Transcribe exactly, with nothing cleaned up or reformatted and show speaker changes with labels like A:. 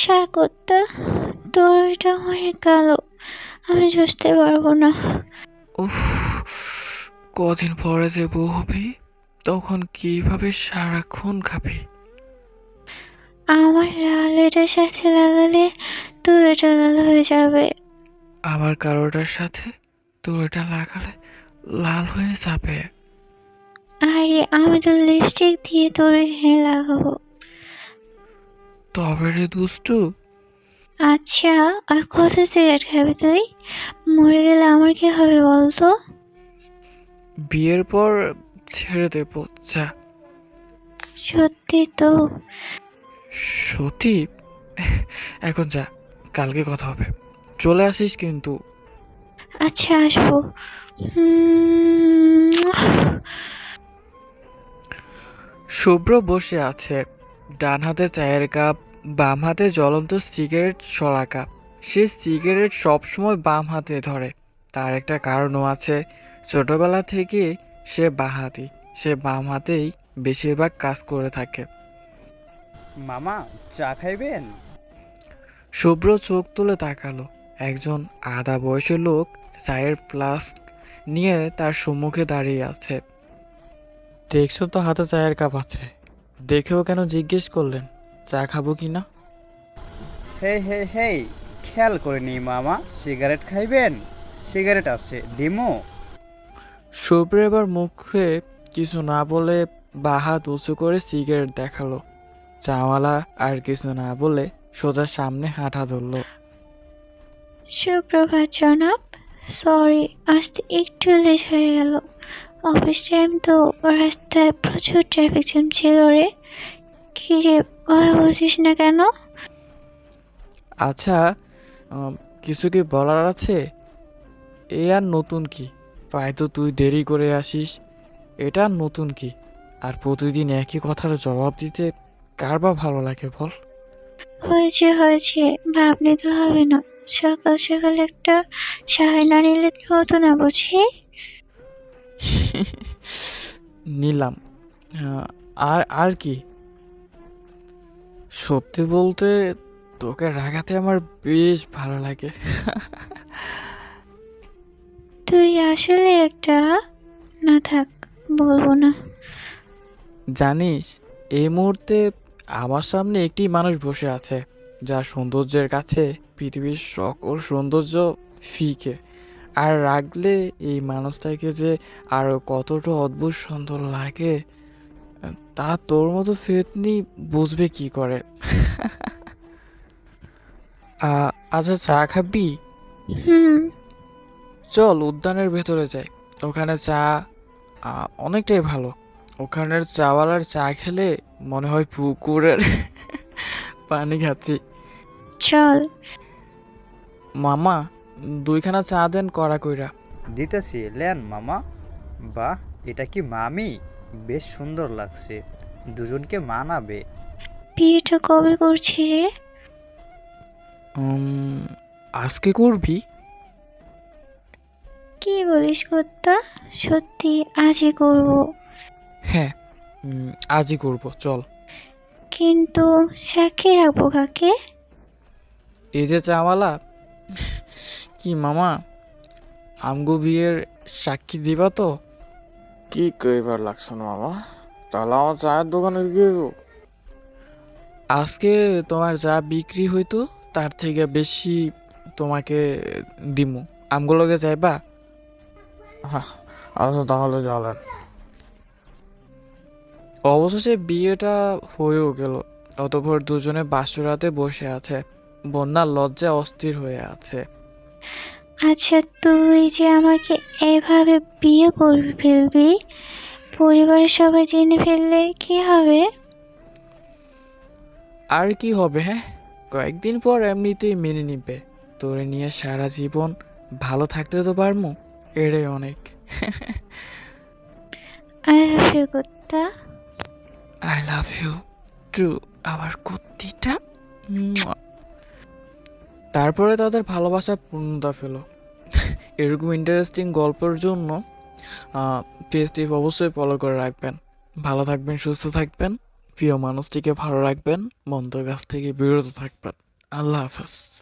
A: সারকত্তা, তোর এটা অনেক কালো, আমি বুঝতে পারবো না।
B: উফ, কদিন পরে যে বউ হবি তখন কিভাবে সারাক্ষণ খাবি?
A: আমার লাল এটার সাথে লাগালে তোর এটা লাল হয়ে যাবে।
B: আবার কারোটার সাথে তোর এটা লাগালে লাল হয়ে যাবে।
A: আরে আমি তো লিপস্টিক দিয়ে তোর হ্যাঁ লাগাবো।
B: তবে রে দুষ্টু,
A: আচ্ছা, আর কত সিগারেট খাবি তুই? মরে গেলে আমার কি হবে বলতো?
B: বিয়ের পর ছেড়ে দেব, যা।
A: সত্যি তো?
B: সত্যি? এখন যা, কালকে কথা হবে। চলে আসিস কিন্তু।
A: আচ্ছা, আসবো। হুম,
B: শুভ্র বসে আছে, ডান হাতে চায়ের কাপ, বাম হাতে জ্বলন্ত সিগারেট সরা কাপ। সে সিগারেট সবসময় বাম হাতে ধরে। তার একটা কারণও আছে। ছোটবেলা থেকে সে বাঁহাতি, সে বাম হাতেই বেশিরভাগ কাজ করে থাকে।
C: মামা, চা খাইবেন?
B: শুভ্র চোখ তুলে তাকালো। একজন আধা বয়সী লোক চায়ের ফ্লাস্ক নিয়ে তার সম্মুখে দাঁড়িয়ে আছে। দেখছো তো হাতে চায়ের কাপ আছে, দেখেও কেন জিজ্ঞেস করলেন চা খাবো কি না?
C: হে হে হে, খেয়াল করিনি মামা। সিগারেট খাইবেন? সিগারেট আছে, দিমো?
B: শুভ্র এবার মুখে কিছু না বলে বাঁ হাত উঁচু করে সিগারেট দেখালো। চাওয়ালা আর কিছু না বলে সোজা সামনে হাঁটা ধরলো।
A: সুপ্রভাত জনাব। সরি, আসতে একটু লেট হয়ে গেল। অফিস টাইম তো, রাস্তায় প্রচুর ট্রাফিক জ্যাম ছিল রে। কি রে, কথা বলছিস না কেন?
B: আচ্ছা, উম, কিছু কি বলার আছে? এ আর নতুন কি? প্রায় তো তুই দেরি করে আসিস, এটা আর নতুন কি? আর প্রতিদিন একই কথার জবাব দিতে কার বা ভালো লাগে বল?
A: হয়েছে হয়েছে, ভাব নিতে হবে না। সকাল সকাল একটা চায় না নিলে কি হতো না বুঝি?
B: নিলাম। আহ, আর আর কি? সত্যি বলতে তোকে রাগাতে আমার বেশ ভালো লাগে।
A: তুই আসলে একটা, না থাক, বলবো না।
B: জানিস, এই মুহূর্তে আমার সামনে একটি মানুষ বসে আছে যার সৌন্দর্যের কাছে পৃথিবীর সকল সৌন্দর্য ফিকে। আর রাগলে এই মানুষটাকে যে আরো কতটা অদ্ভুত সুন্দর লাগে তা তোর মতো ফেতনি বুঝবে কি করে? আ- আচ্ছা, চা খাবি?
A: হুম।
B: চল উদ্যানের ভেতরে যাই, ওখানে চা আ, অনেকটাই ভালো। ওখানের চাওয়ালার চা খেলে মনে হয় পুকুরের পানি খাচ্ছি।
A: চল।
B: মামা, দুইখানা চা দেন কড়া কইরা।
C: দিতেছি, লেন মামা। বাহ, এটা কি মামি? বেশ সুন্দর লাগছে, দুজনকে মানাবে।
A: বিয়েটা কবে করছি রে?
B: উম, আজকে করবি?
A: কি বলিস কর্তা? সত্যি আজই করব।
B: হ্যাঁ, উম, আজই করব, চল।
A: কিন্তু সাক্ষী রাখবো কাকে?
B: এই যে চাওয়ালা। কি মামা, আমগো বিয়ের সাক্ষী দিবা তো?
D: কি কইবার লাগছো না মামা? তাহলে আমার চায়ের দোকানে গিয়ে
B: আজকে তোমার যা বিক্রি হইতো তার থেকে বেশি তোমাকে দিমু। আমগুলোকে যাইবা?
D: আচ্ছা তাহলে চলেন।
B: অবশেষে বিয়েটা হয়েও গেল। অতঃপর দুজনে বাসরাতে বসে আছে। বন্যা লজ্জায় অস্থির হয়ে আছে।
A: আচ্ছা, তুই যে আমাকে এভাবে বিয়ে করবি ফেলবি, পরিবারের সবাই জেনে ফেললে কি হবে?
B: আর কি হবে? হ্যাঁ, কয়েকদিন পর এমনিতেই মেনে নিবে। তোরে নিয়ে সারা জীবন ভালো থাকতে তো পারমু, এটাই অনেক।
A: আই লাভ ইউ কর্তা।
B: আই লাভ ইউ টু, আমার কুত্তিটা। মুয়া। তারপরে তাদের ভালোবাসা পূর্ণতা পেল। এরকম ইন্টারেস্টিং গল্পের জন্য পেজটি অবশ্যই ফলো করে রাখবেন। ভালো থাকবেন, সুস্থ থাকবেন, প্রিয় মানুষটিকে ভালো রাখবেন, মন্দ কাছ থেকে বিরত থাকবেন। আল্লাহ হাফেজ।